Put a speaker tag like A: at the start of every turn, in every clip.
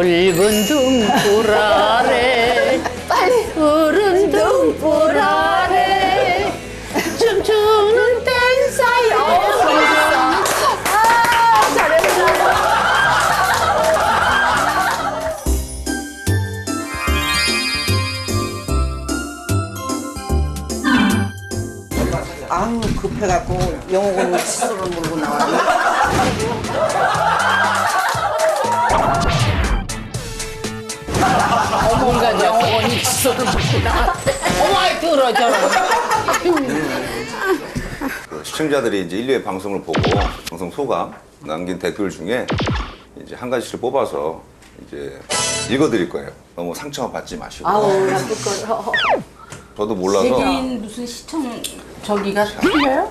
A: 붉은 등불 아래 푸른 등불 아래 춤추는 댄사요.
B: 아우 급해갖고 영옥은 칫솔을 물고 나왔네.
A: 어머니가 영원히 칫솔을 먹고 나왔대. 어머니 들어줘라.
C: 그 시청자들이 이제 1, 2회 방송을 보고 방송 소감 남긴 댓글 중에 이제 한 가지를 뽑아서 이제 읽어드릴 거예요. 너무 상처받지 마시고.
A: 아우 나쁠 거.
C: 저도 몰라서.
D: 세계인 무슨 시청 저기가 틀려요?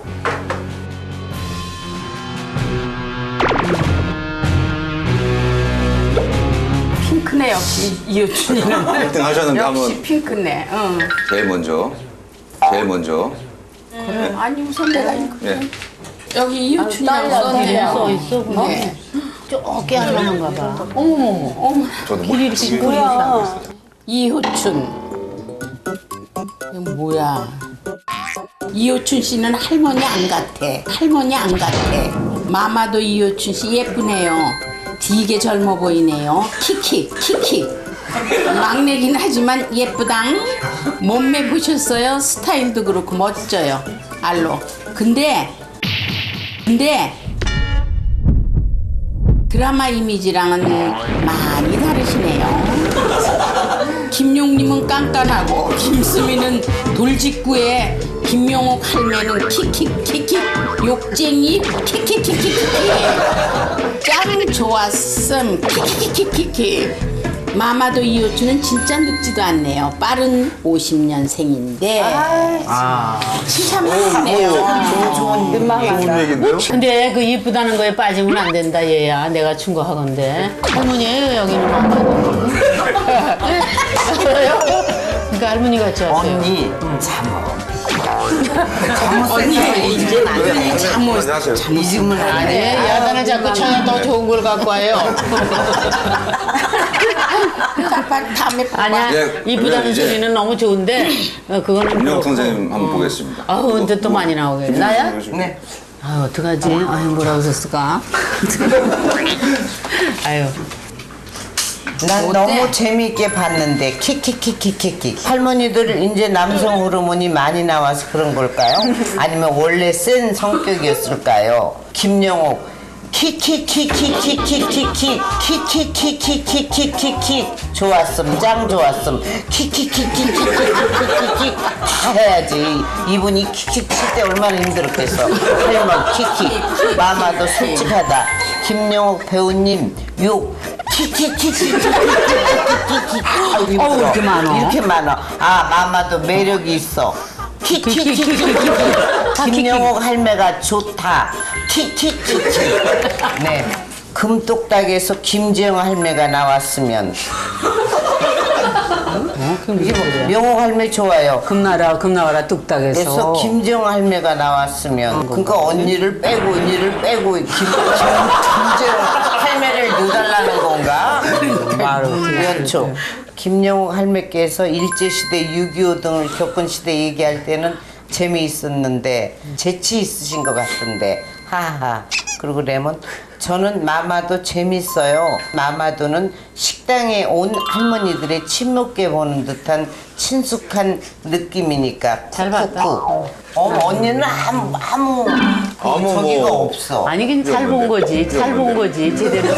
D: 핑크네 역시 이효춘이는
C: 1등 하셨는데
D: 역시
C: 한번
D: 핑크네. 응.
C: 제일 먼저.
D: 아니 우선 내가 이거
C: 네.
D: 여기 이효춘이라고 썼네요.
A: 써 있어 그냥.
D: 네.
A: 쪼게 할만한가 봐.
D: 어머
C: 저도 뭐
A: 이렇게 뭐야?
D: 이효춘. 이거 뭐야? 이효춘 씨는 할머니 안 같아. 할머니 안 같아. 마마도 이효춘 씨 예쁘네요. 되게 젊어 보이네요. 키키. 막내긴 하지만 예쁘당. 몸매 보셨어요? 스타일도 그렇고 멋져요. 알로. 근데 드라마 이미지랑은 많이 다르시네요. 김용님은 깐깐하고 김수미는 돌직구에 김용옥 할매는 킥킥킥킥 욕쟁이 킥킥킥킥킥 짱 좋았음 킥킥킥킥킥 마마도 이효춘은 진짜 늙지도 않네요. 빠른 50년생인데 참 하네요.
C: 좋은 얘기인데요?
A: 근데 그 이쁘다는 거에 빠지면 안 된다 얘야. 내가 충고하건데. 할머니예요 여기는 엄마는. 그러니까 할머니 같지 않아요?
B: 언니 잠어.
D: 언니 이제 남편이 잠옷
C: 안녕하세요.
B: 잊으면 안
A: 아니
B: 돼.
A: 야단을 자꾸 쳐야 더 좋은 걸 갖고 와요.
D: 다음에
A: 아니야
C: 예,
A: 이쁘다는
C: 이제-
A: 소리는 너무 좋은데 그거는
C: 김영
A: 그렇고.
C: 선생님 한번 보겠습니다.
A: 아우 근데 또 많이 나오게. 나야?
B: 네.
A: 아유 어떡하지? 아유 뭐라고 썼을까? 아유
B: 난 너무 재미있게 봤는데 키키키키키키 할머니들 이제 남성 호르몬이 많이 나와서 그런 걸까요? 아니면 원래 센 성격이었을까요? 김영옥 키키키키키키키키 키키키키키키키키 좋았음 짱 좋았음 키키키키키키키키키 다 해야지 이분이 키키 칠 때 얼마나 힘들었겠어 할머 키키 마마도 솔직하다 김영옥 배우님 욕 키키키키키키키키키
A: 어우, 이렇게 많아.
B: 이렇게 많아 아 마마도 매력이 있어 키키키키키키 김영옥 할매가 좋다 키키키키 네 금똑딱에서 김지영 할매가 나왔으면 이게 뭐, 명옥 할매 좋아요
A: 금나라 뚝딱에서
B: 그래서 김지영 할매가 나왔으면 그러니까 언니를 빼고 김지영 할매를 넣어달라는 건가? 연초 김영옥 할매께서 일제시대 6.25 등을 겪은 시대 얘기할 때는 재미있었는데 재치 있으신 것 같던데 하하 그리고 레몬 저는 마마도 재밌어요. 마마도는 식당에 온 할머니들의 침묵게 보는 듯한 친숙한 느낌이니까
A: 잘 봤다.
B: 쿡쿡. 언니는 아무 저기가
C: 뭐.
B: 없어.
A: 아니 그냥 잘 본 거지 제대로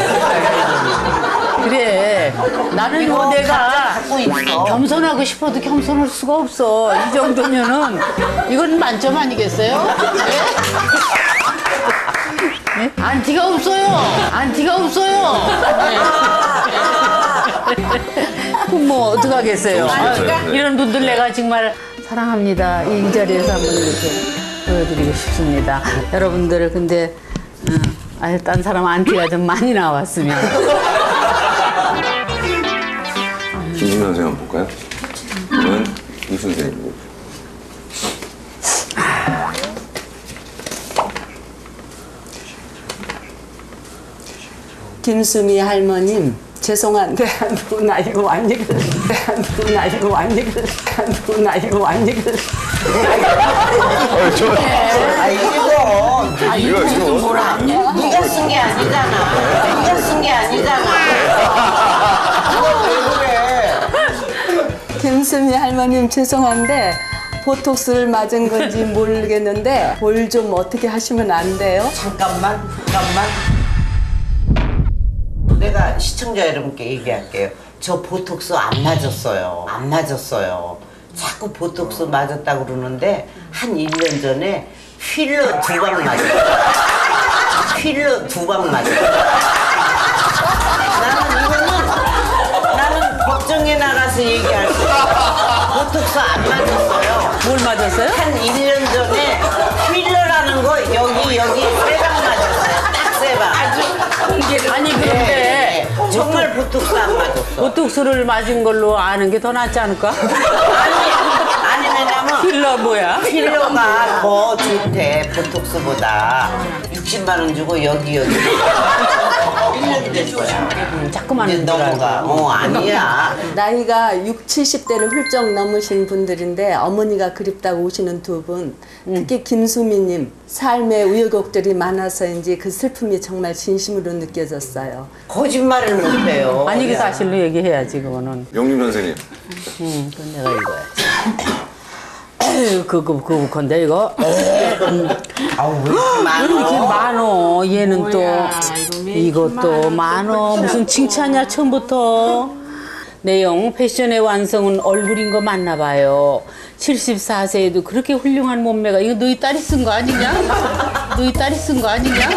A: 그래 나는
B: 이거
A: 뭐 내가
B: 갖고 있어.
A: 겸손하고 싶어도 겸손할 수가 없어 이 정도면은 이건 만점 아니겠어요? 네? 안티가 없어요 그럼 뭐 어떡하겠어요 이런 분들 내가 정말 사랑합니다 이 자리에서 한번 이렇게 보여드리고 싶습니다 여러분들 근데 아유 딴 사람 안티가 좀 많이 나왔으면
C: 김진명 선생님 한번 볼까요? 저는 이 선생님.
E: 김수미 할머님 죄송한데 누나 이거 완전 누나 이거 완전 누나 이거 완전
C: 이거
B: 뭐라 네가 쓴 게 아니잖아. 네가 쓴 게 아니잖아. 이거 왜 그래?
E: 김수미 할머님 죄송한데 보톡스를 맞은 건지 모르겠는데 볼 좀 어떻게 하시면 안 돼요?
B: 잠깐만. 내가 시청자 여러분께 얘기할게요. 저 보톡스 안 맞았어요. 안 맞았어요. 자꾸 보톡스 맞았다고 그러는데 한 1년 전에 필러 2방 맞았어요. 필러 2방 맞았어요. 나는 법정에 나가서 얘기할 수 있어. 보톡스 안 맞았어요.
A: 뭘 맞았어요?
B: 한 1년 전에 필러라는 거 여기 3방 맞았어요. 딱 3방.
A: 아니 그런데
B: 정말 보톡스 안 맞았어.
A: 보톡스를 맞은 걸로 아는 게 더 낫지 않을까?
B: 아니 왜냐면
A: 필러 뭐야?
B: 필러가 더 좋대 보톡스보다. 60만 원 주고 여기 1년이 됐어요.
A: 자꾸만
B: 이제 넘어가. 아니야.
E: 나이가 60, 70대를 훌쩍 넘으신 분들인데 어머니가 그립다고 오시는 두 분, 특히 김수미님 삶의 우여곡절이 많아서인지 그 슬픔이 정말 진심으로 느껴졌어요.
B: 거짓말을 못해요.
A: 아니 그 사실로 얘기해야지 그거는.
C: 영림 선생님.
A: 그건 내가 읽어야지. 그 건데 이거.
B: 아우 왜 이렇게 많아?
A: 이렇게 많어. 얘는 또 이것도 많어. 무슨 칭찬이야 처음부터. 내용 패션의 완성은 얼굴인 거 맞나 봐요. 74세에도 그렇게 훌륭한 몸매가 이거 너희 딸이 쓴 거 아니냐? 너희 딸이 쓴 거 아니냐?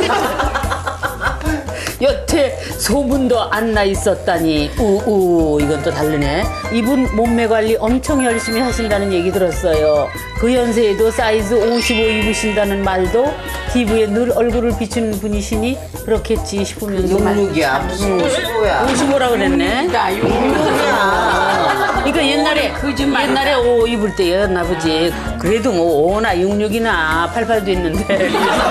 A: 여태 소문도 안 나 있었다니 우우 이건 또 다르네. 이분 몸매 관리 엄청 열심히 하신다는 얘기 들었어요. 그 연세에도 사이즈 55 입으신다는 말도 피부에 늘 얼굴을 비추는 분이시니 그렇겠지 싶으면서
B: 66이야 무슨 55야.
A: 55라 그랬네. 그러니까 옛날에 5 입을 때였나 보지. 그래도 뭐 5나 66이나 88도 있는데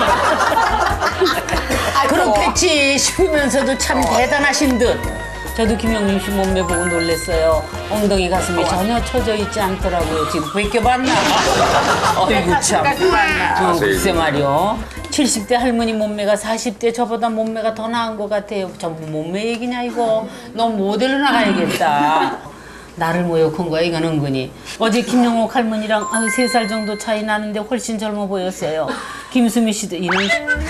A: 그렇겠지 싶으면서도 참 대단하신 듯. 저도 김영림 씨 몸매 보고 놀랐어요. 엉덩이 가슴이 전혀 처져 있지 않더라고요. 지금 벗겨봤나? 어이구 참. 글쎄 말이요. 70대 할머니 몸매가 40대 저보다 몸매가 더 나은 것 같아요. 전부 몸매 얘기냐 이거. 너 모델로 나가야겠다. 나를 모욕한 거야 이건 은근히. 어제 김영옥 할머니랑 3살 정도 차이 나는데 훨씬 젊어 보였어요. 김수미 씨도 이런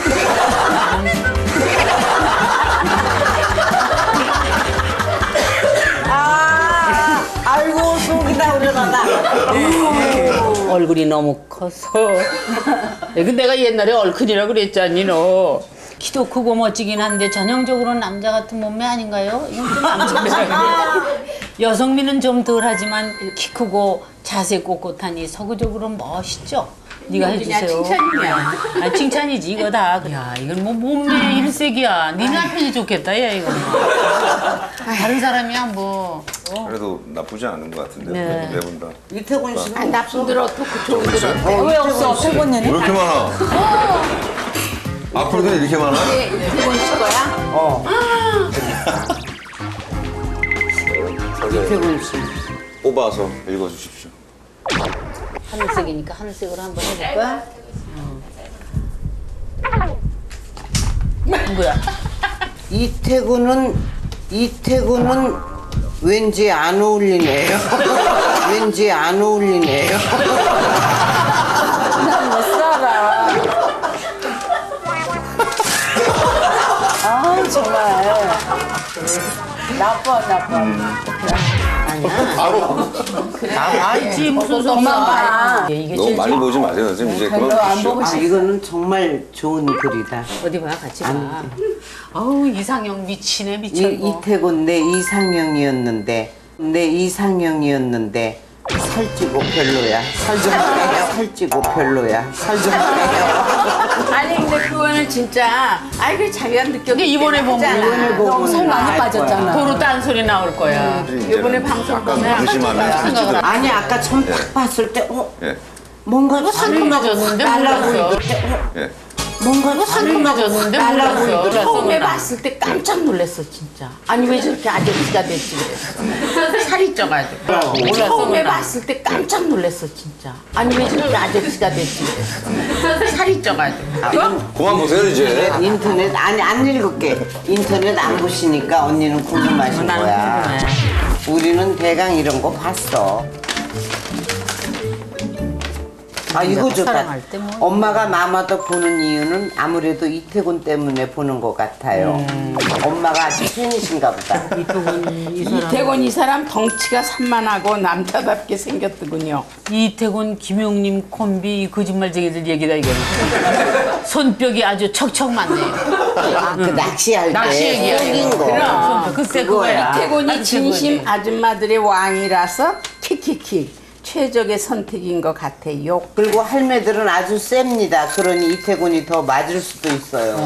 B: 아이고 속이 다 우려나다.
A: 얼굴이 너무 커서. 근데 내가 옛날에 얼큰이라고 그랬잖니 너. 키도 크고 멋지긴 한데 전형적으로 남자 같은 몸매 아닌가요? 이건 좀 남자입니다. 여성미는 좀 덜하지만 키 크고 자세 꼿꼿하니 서구적으로 멋있죠? 네가 해주세요.
D: 칭찬이야.
A: 아, 칭찬이지 이거 다. 야 이건 뭐 몸매 일색이야. 네 남편이 좋겠다 야 이거. 다른 사람이야 뭐.
C: 그래도 나쁘지 않은 것 같은데
A: 네.
C: 네 분 다.
B: 이태곤 씨는
D: 나쁜 들어 토크 좋은 들어.
E: 왜 없어? 태곤이는?
C: 왜 이렇게 많아? 앞으로도 이렇게 많아?
D: 이태곤 씨 거야?
B: 이태곤 씨.
C: 뽑아서 읽어주십시오.
A: 하늘색이니까 하늘색으로 한번 해볼까? 뭐야?
B: 이태곤은 왠지 안 어울리네요. 왠지 안 어울리네요.
E: 난못 살아. 아 정말 나빠.
C: 바로.
A: 알지 무슨 소리야? 이게
C: 너무
A: 제일
C: 많이 보지 마세요 선생님. 이제
E: 별로
C: 그만
E: 안
C: 보시죠.
E: 보고
B: 이거는 정말 좋은 글이다.
A: 어디 봐 같이 봐. 어우 이상형 미치네 미쳐.
B: 이태곤 내 이상형이었는데 살찌고 별로야. 살 좀 빼요. 살찌고 별로야. 살 좀 빼요.
D: 아니 근데 그거는 진짜 아이고 자기가 느껴.
A: 이게 이번에 보면
E: 너무 살 많이 빠졌잖아.
A: 도로 딴소리 나올 거야.
D: 이번에 방송
C: 약간
D: 보면
C: 방심하면 살찌더라고요.
B: 아니 아까 처음 딱 봤을 때
C: 예.
B: 뭔가
A: 상큼해졌는데
B: 달라
A: 몰랐어.
B: 보이는데
C: 예.
B: 뭔가 상큼하고
A: 졌는데
B: 달라
A: 몰랐어.
B: 보이더라고.
D: 처음에 봤을 때 깜짝 놀랐어 진짜. 아니 왜 저렇게 아저씨가 됐지 그랬어. 살이 쪄가지고. 처음에 봤을 때 깜짝 놀랐어 진짜. 아니 왜 저렇게 아저씨가 됐지 그랬어. 살이 쪄가지고.
C: 그만 보세요 이제.
B: 인터넷 아니 안 읽을게. 인터넷 안 보시니까 언니는 궁금하신
A: 나는
B: 거야.
A: 궁금해.
B: 우리는 대강 이런 거 봤어. 아 이거 좋다.
A: 사랑할 때 뭐.
B: 엄마가 마마도 보는 이유는 아무래도 이태곤 때문에 보는 것 같아요. 엄마가 아주 팬이신가 보다.
D: 이태곤 이 사람 덩치가 산만하고 남자답게 생겼더군요.
A: 이태곤 김용님 콤비 이 거짓말쟁이들 얘기다 이거는. 손뼉이 아주 척척 맞네요.
B: 아, 그 낚시할 때
A: 낚시 얘기야.
B: 속인 거.
D: 그럼.
A: 글쎄
B: 그거야.
A: 그거야.
D: 이태곤이 진심 아줌마들의 왕이라서 킥킥킥 최적의 선택인 것 같아요.
B: 그리고 할매들은 아주 셉니다. 그러니 이태곤이 더 맞을 수도 있어요.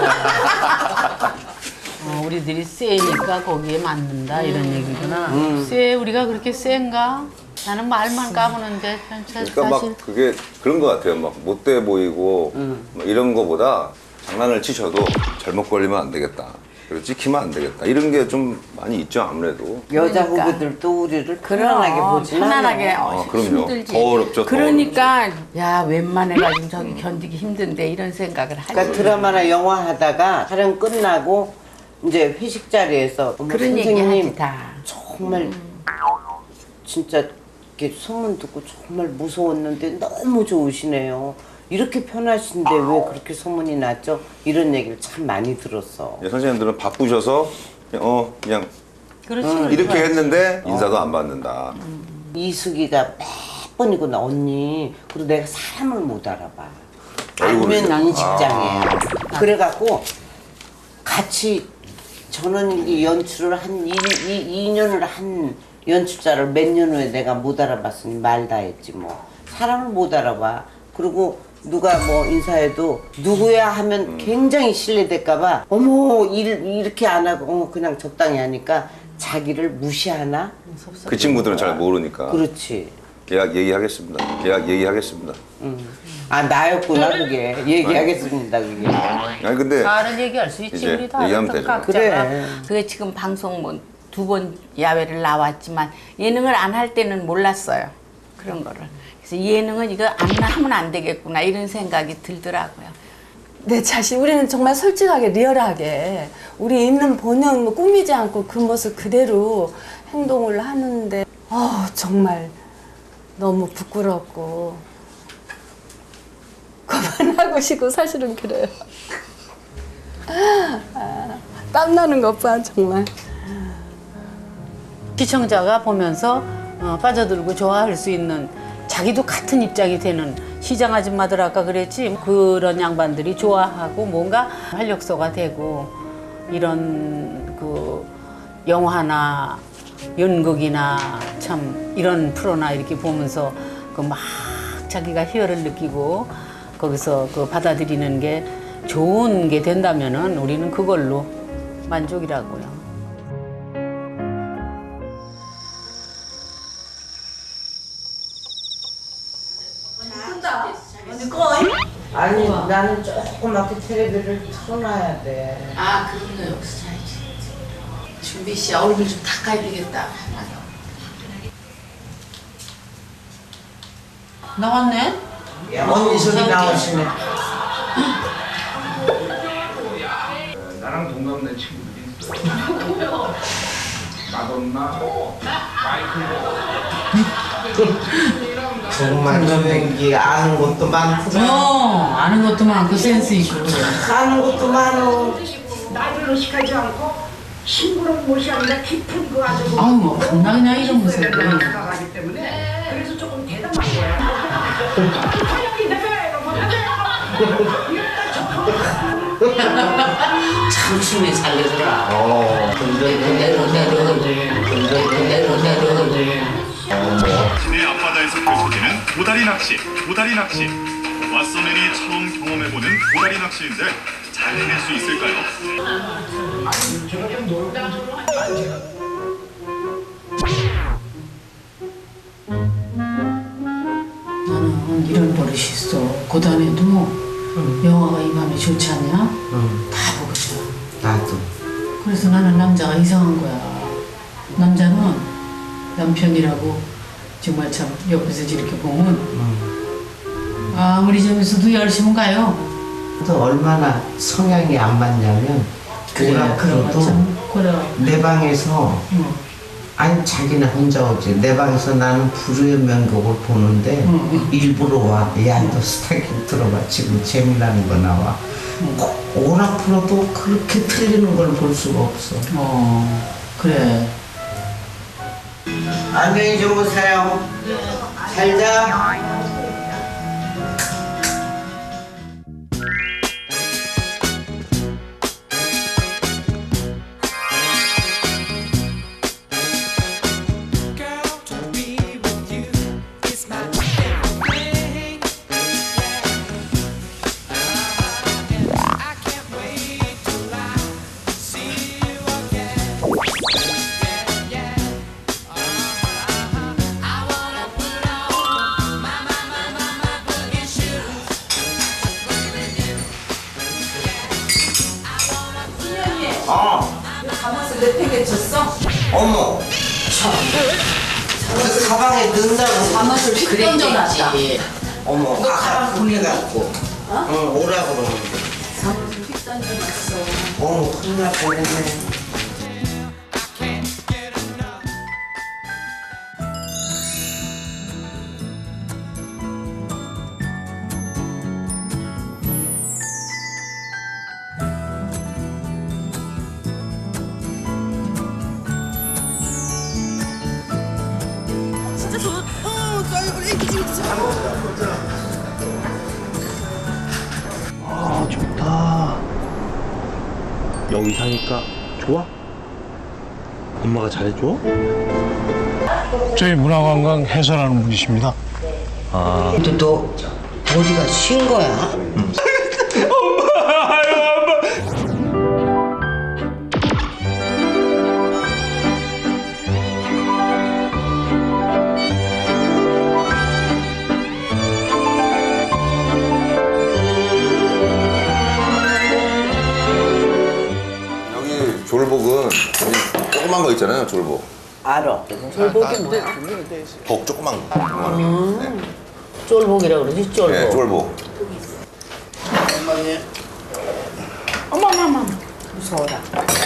A: 우리들이 세니까 거기에 맞는다 이런 얘기구나. 세 우리가 그렇게 센가? 나는 말만 까부는데
C: 그러니까
A: 사실
C: 막 그게 그런 것 같아요. 막 못돼 보이고 막 이런 거보다 장난을 치셔도 잘못 걸리면 안 되겠다. 그리고 찍히면 안 되겠다. 이런 게 좀 많이 있죠 아무래도.
B: 여자
D: 그러니까.
B: 후보들도 우리를 편안하게 보지
D: 편안하게
C: 그럼요.
D: 힘들지.
C: 더 어렵죠. 더
D: 그러니까 야 웬만해가지고 저기 견디기 힘든데 이런 생각을 하지.
B: 그러니까 드라마나 영화 하다가 촬영 끝나고 이제 회식 자리에서 어머,
D: 그런 얘기
B: 선생님
D: 하지 다.
B: 정말 진짜 이렇게 소문 듣고 정말 무서웠는데 너무 좋으시네요. 이렇게 편하신데 왜 그렇게 소문이 났죠? 이런 얘기를 참 많이 들었어.
C: 선생님들은 바쁘셔서 그냥
A: 그렇지.
C: 이렇게 했는데 인사도 안 받는다.
B: 이수기가 몇 번이구나 언니. 그리고 내가 사람을 못 알아봐.
C: 얼굴을요?
B: 알면 인식장이에요. 그래갖고 같이 저는 이 연출을 한 2년을 한 연출자를 몇 년 후에 내가 못 알아봤으니 말 다 했지 뭐. 사람을 못 알아봐. 그리고 누가 뭐 인사해도 누구야 하면 굉장히 실례될까봐 어머 이렇게 안 하고 그냥 적당히 하니까 자기를 무시하나?
C: 그 친구들은 잘 모르니까.
B: 그렇지.
C: 예약 얘기하겠습니다. 예약 얘기하겠습니다.
B: 아 나였구나 그게. 얘기하겠습니다 그게.
C: 아니 근데
A: 다른 얘기할 수 있지
C: 이제
A: 우리 다
C: 얘기하면
A: 어떤
C: 되죠.
A: 각자가.
B: 그래.
D: 그게 지금 방송 뭐 2번 야외를 나왔지만 예능을 안 할 때는 몰랐어요. 그런 거를. 그래서 예능은 이거 안 하면 안 되겠구나 이런 생각이 들더라고요.
E: 내 자신, 우리는 정말 솔직하게 리얼하게 우리 있는 본연 뭐 꾸미지 않고 그 모습 그대로 행동을 하는데 정말 너무 부끄럽고 그만하고 싶고 사실은 그래요. 땀나는 것 봐 정말.
A: 시청자가 보면서 빠져들고 좋아할 수 있는 자기도 같은 입장이 되는 시장 아줌마들 아까 그랬지 그런 양반들이 좋아하고 뭔가 활력소가 되고 이런 그 영화나 연극이나 참 이런 프로나 이렇게 보면서 그 막 자기가 희열을 느끼고 거기서 그 받아들이는 게 좋은 게 된다면은 우리는 그걸로 만족이라고요.
B: 아니 나는 조그맣게 텔레비를 틀어놔야 돼.
D: 아 그런 거 없어야지. 준비 씨 얼굴 좀 닦아야 되겠다.
A: 나왔네?
B: 언니 소리 나오시네.
F: 나랑 동갑내 친구들이 있어요. 마돈나, 마이클.
B: 정말 조명기 아는 것도 많구나.
A: 아는 것도 많고 센스 있고.
B: 아는 것도 많어.
G: 나이를 의식하지 않고 심부름 못이 아니라 깊은 그 아주
A: 아우 뭐 겁나 그냥 이러면서
G: 나가기 때문에 그래서 조금 대담한 거야. 사장님 대표야
B: 참 춤이 잘 되더라.
H: 시내 앞바다에서 펼쳐지는 도다리 낚시. 도다리 낚시. 왓서맨이 처음 경험해보는 도다리 낚시인데 잘 해낼 수 있을까요?
A: 나는 이런 버릇이 있어. 고단해도 영화가 이 맘에 좋지 않냐? 다 보고 싶어.
B: 나도.
A: 그래서 나는 남자가 이상한 거야. 남자는 남편이라고 정말 참 옆에서 이렇게 보면 아무리 재밌어도 열심히 가요.
B: 또 얼마나 성향이 안 맞냐면
A: 그런 거참 그래.
B: 내 방에서 아니 자기는 혼자 오지 내 방에서 나는 불후의 명곡을 보는데 일부러 와. 야 너 스타킹 들어봐 지금 재미나는 거 나와. 오락 풀어도 그렇게 틀리는 걸 볼 수가 없어.
A: 그래.
B: 안녕히 주무세요. 잘 자.
E: 가마솥 내 팩에 쳤어?
B: 어머. 그 가방에 넣는다고.
E: 가마솥 휙 던져놨다.
B: 어머. 아까 보내갖고. 응 오라 그러는데.
E: 가마솥 휙 던져놨어.
B: 어머 큰일 날 뻔했네.
I: 아 좋다. 여기 사니까 좋아? 엄마가 잘해줘?
J: 저희 문화관광 해설하는 분이십니다.
B: 근데 너 어디가 쉰 거야?
C: 여기 졸복은 이 조그만 거 있잖아요, 졸복.
B: 알아.
C: 복 조그만 거. 네.
D: 쫄복이라고 그러지, 쫄복.
C: 네, 졸복.
D: 어머머머. 무서워라.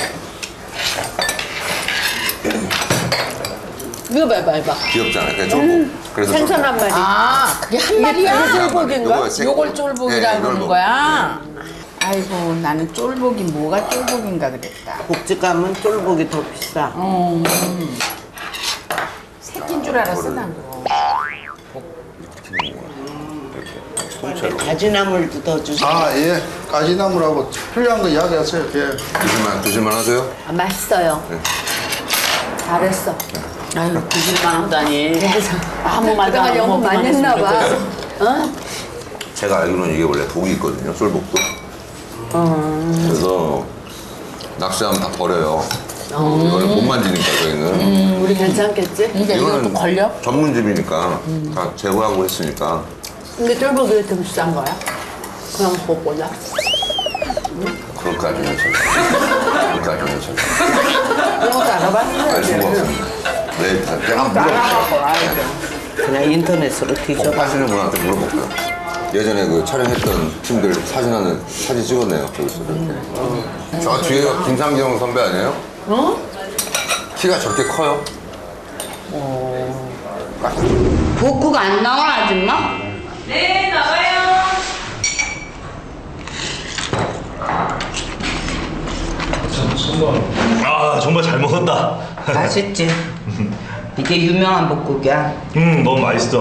D: 이거 봐봐.
C: 귀엽잖아요. 그냥 졸복. 그래서
D: 생선 한 마리. 아, 그게 한 마리야? 쫄복인가?
C: 요거 생-
D: 요걸
C: 네,
D: 쫄복이라고
C: 이걸
D: 그러는
C: 먹-
D: 거야? 아이고, 나는 쫄복이 뭐가 쫄복인가 그랬다.
B: 복지 가면 쫄복이 더 비싸.
D: 새끼인 줄 알았어, 난 그거.
C: 통째로.
B: 가지나물도 더 주세요.
J: 아, 예. 가지나물하고 필요한 거 이야기하세요. 예.
C: 드실만 하세요?
E: 아, 맛있어요. 잘했어.
A: 아유 드실만 하다니. 아무 말도
E: 내가
A: 안 하고
E: 영어 많이
A: 먹기만
E: 했나 봐.
A: 했으면
E: 어?
C: 제가 알기로는 이게 원래 독이 있거든요, 쫄복도. 그래서 낚시하면 다 버려요. 이거는 못 만지니까 저희는.
E: 우리 괜찮겠지?
D: 이제 이것도 걸려?
C: 전문집이니까 다 제거하고 했으니까.
E: 근데 쫄복이 왜 더 비싼 거야? 그냥 그거보다?
C: 그럴까지는 제가. 그럴까지는 제가.
D: 이런 것도 알아봤어?
C: 알 수가 없습니다. 네, 제가 한번 물어볼게요.
B: 그냥 인터넷으로
C: 복
B: 뒤져봐.
C: 파시는 분한테 물어볼게요. 예전에 그 촬영했던 팀들 사진 찍었네요. 거기서 이렇게. 저 뒤에가 김상경 선배 아니에요? 키가 저렇게 커요?
A: 복구가 안 나와 아줌마?
G: 네, 나와요.
I: 아 정말 잘 먹었다.
B: 맛있지? 이게 유명한 복국이야.
I: 너무 맛있어.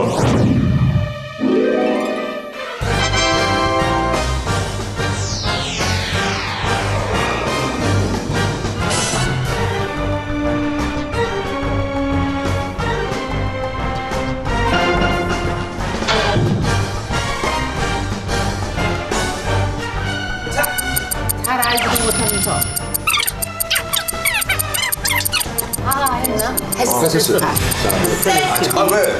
D: 잘 알지도 못하면서.
E: 아, 했나?
C: 했어요. 아 왜?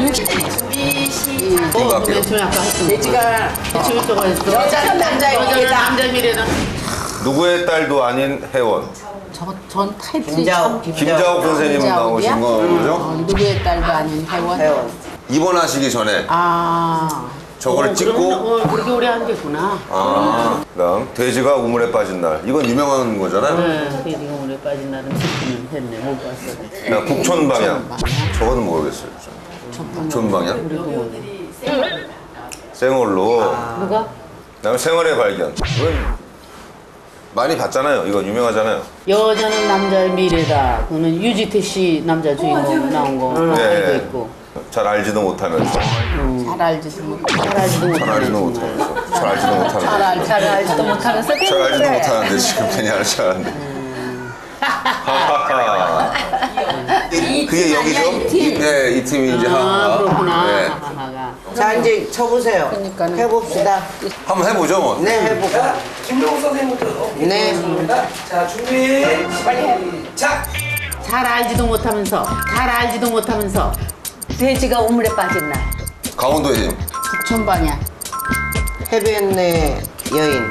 C: 이거 할게요.
D: 돼지가 여자는 남자입니다.
A: 남자입니다.
C: 누구의 딸도 아닌 혜원.
D: 전 타이틀이
B: 김자옥.
C: 김자옥 선생님 나오신 거죠?
D: 누구의 딸도 아닌 혜원.
C: 입원하시기 전에
D: 아.
C: 저거를 찍고
A: 그렇게 오래 한 게구나.
C: 그다음 돼지가 우물에 빠진 날. 이건 유명한 거잖아요.
A: 네, 돼지가 오래 빠진 날은 슬프면 했네. 못 봤어.
C: 그다음 북촌 방향. 저거는 모르겠어요. 북촌 방향. 생얼로.
A: 누가?
C: 그다음에 생활의 발견. 이건 많이 봤잖아요. 이거 유명하잖아요.
A: 여자는 남자의 미래다. 그거는 유지태 씨 남자 주인공 나온 거.
C: 네.
A: 이거 있고.
C: 잘 알지도 못하면서.
D: 잘 알지도 못하고.
A: 잘 알지도
C: 잘 알지도
A: 못하는
C: 못하면서. 잘 알지도 못하는데.
A: 잘 알지도 못하면서
C: 잘 알지도 못하는데 지금 괜히 알 줄 알았는데. 하하하. 그게 여기죠? 네, 이 팀이 이제 하하.
A: 그렇구나.
C: 네.
A: 하하가.
B: 자 이제 쳐보세요. 해봅시다.
C: 한번 해보죠, 뭐.
B: 네 해볼까?
G: 김동욱 선생님부터.
B: 네.
G: 자 준비. 빨리 해. 자.
A: 잘 알지도 못하면서. 잘 알지도 못하면서.
E: 돼지가 우물에 빠진 날.
C: 강원도의 힘.
D: 북촌 방향.
B: 해변의 여인.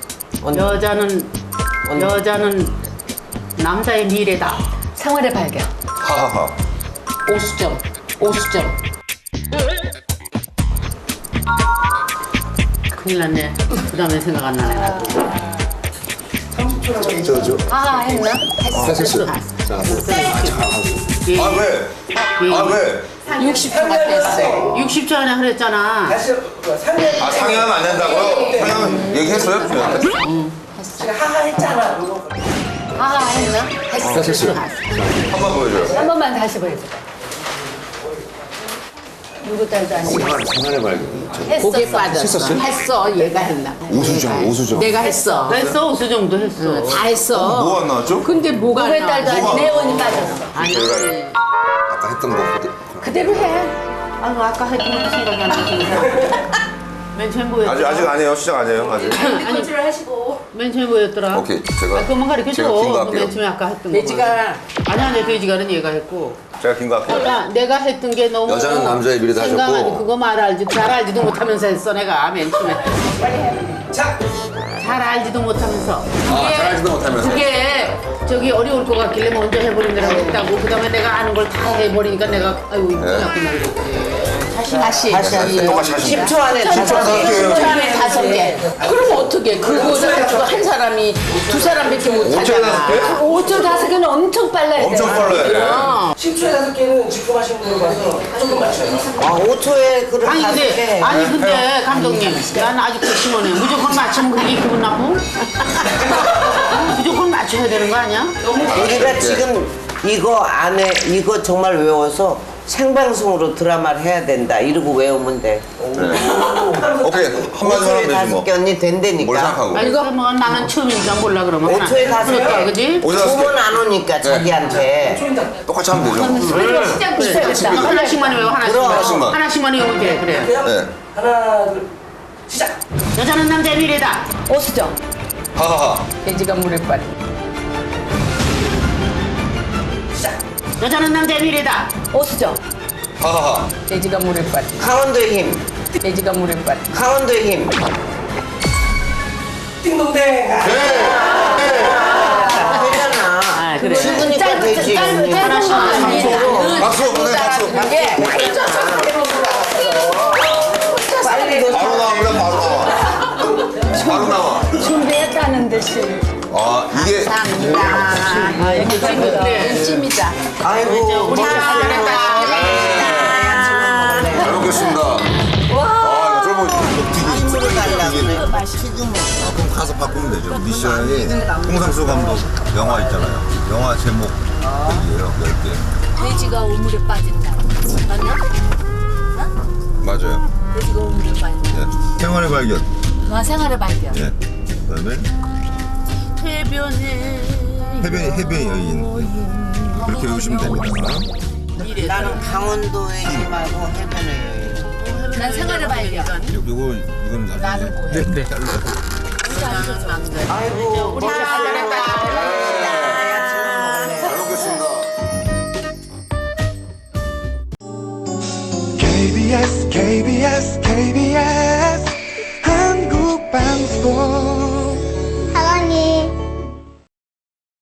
A: 여자는 남자의 미래다.
E: 생활의 발견.
C: 하하하.
D: 오수점.
A: 큰일 났네. 그 다음에 생각 안 나네. 나도.
E: 아 했나?
C: 했었어요.
A: 예.
C: 아, 왜? 아, 왜?
D: 60초가 됐어.
A: 60초 안에 하랬잖아.
G: 다시 상현.
C: 아, 상향하면 안 된다고요? 상향 얘기했어요?
G: 제가 하하 했잖아. 그거.
E: 아 했나?
C: 했었어요. 한번 보여줘요.
E: 한 번만 다시 보여줘. 누구 딸도 아니고
C: 생활의 발견.
D: 고개 빠졌어. 했어. 얘가 했나?
C: 오수정.
D: 내가 했어.
A: 했어. 수정도 했어.
D: 다 했어.
C: 뭐 안 나왔죠?
D: 근데 뭐가
E: 누구의
D: 안
E: 딸도
D: 나와?
E: 아닌 혜원이 빠졌어.
C: 저희가 아까 했던 거.
E: 그대로 해.
A: 아이고 아까 했던 것도 생각이 안 나서. 맨 처음 보였더라.
C: 아직 안 해요. 시작 안 해요. 아직.
E: 컨트롤 하시고.
A: 맨 처음 보였더라.
C: 오케이. 제가
A: 그것만 가르쳐줘.
C: 제가 긴 거 할게요.
A: 맨 처음에 아까 했던 거.
D: 돼지가
A: 아니야, 돼지가는 얘가 했고.
C: 제가 긴 거 할게요.
A: 그러니까 내가 했던 게 너무
C: 여자는 남자의 미래다 하셨고.
A: 생각하지. 그거 말 알지 잘 알지도 못하면서 했어 내가 맨 처음에.
G: 자.
A: 잘 알지도 못하면서.
C: 잘 알지도 못하면서.
A: 그게 저기 어려울 것 같길래 먼저 해보는 거라고 했다고. 그다음에 내가 아는 걸 다 해버리니까 내가 아이고 이거 끝났구나 그랬지.
D: 다시.
C: 똑같이 하시면
B: 10초 안에 다시
D: 10초 안에 5개. 그럼 어떻게? 그거 한 사람이 두 사람밖에 못 하잖아.
E: 5초 5개는 엄청 빨라야 돼.
C: 엄청 빨라요.
G: 10초에 5개는 직구하신 분으로 봐서 조금 맞춰요.
B: 아 5초에 그런
A: 아니
B: 5개.
A: 근데 감독님 난 아직도 심원해. 무조건 맞추면 그게 기분 나쁘? 무조건 맞춰야 되는 거 아니야?
B: 우리가 지금 이거 안에 이거 정말 외워서 생방송으로 드라마를 해야 된다 이러고 외우면 돼.
C: 오케이. 한마디만
B: 5초에
C: 하면 되지 뭐.
B: 5개 언니
C: 뭘
B: 된다니까.
C: 생각하고.
A: 아니 그러면 나는 처음이니까 몰라 그러면.
B: 5초에 5개.
A: 그럴까 그지?
C: 5초 5개.
B: 9번 안 오니까 자기한테.
C: 똑같이 하면 되죠.
E: 시작부터
A: 하나씩만 외워
C: 하나씩만.
A: 하나씩만 외우면 돼 그래.
C: 네.
G: 하나, 둘, 시작.
A: 여자는 남자의 미래다.
E: 오수정.
C: 하하하.
D: 돼지가 물에 빠져.
A: 여자는 남자의 미래다.
E: 오수정.
C: 하하하.
D: 돼지가 물에 빠져.
B: 강원도의 힘.
D: 돼지가 물에 빠져.
B: 강원도의 힘.
G: 띵동댕.
B: 되잖아.
A: 아 그래.
B: 죽으니까 되지. 하나씩만.
C: 박수. 네, 박수.
B: 빨리 더
C: 바로 나옵니다. 바로 나와. 바로 나와.
E: 준비했다는 듯이.
C: 아 이게
A: 아 이렇게 찍는데.
D: 찜이다.
B: 아이고
A: 우리 잘했다.
C: 잘 먹겠습니다. 아 이거
B: 힘으로 달라고.
C: 그럼 가서 바꾸면 되죠. 미션이 홍상수 감독 영화 있잖아요. 영화 제목 얘기예요. 10개.
E: 돼지가 우물에 빠진 날. 맞나?
C: 맞아요.
E: 돼지가 우물에 빠진 날.
C: 예. 생활의 발견.
E: 생활의 발견.
C: 예. 그다음에 해변의 여인. 그렇게 외우시면 됩니다.
B: 나는 강원도의 힘하고 해변의 여인.
E: 난 생활의 발견.
C: 이건 나중에. 네.
B: 아이고.
A: 우리 잘했다.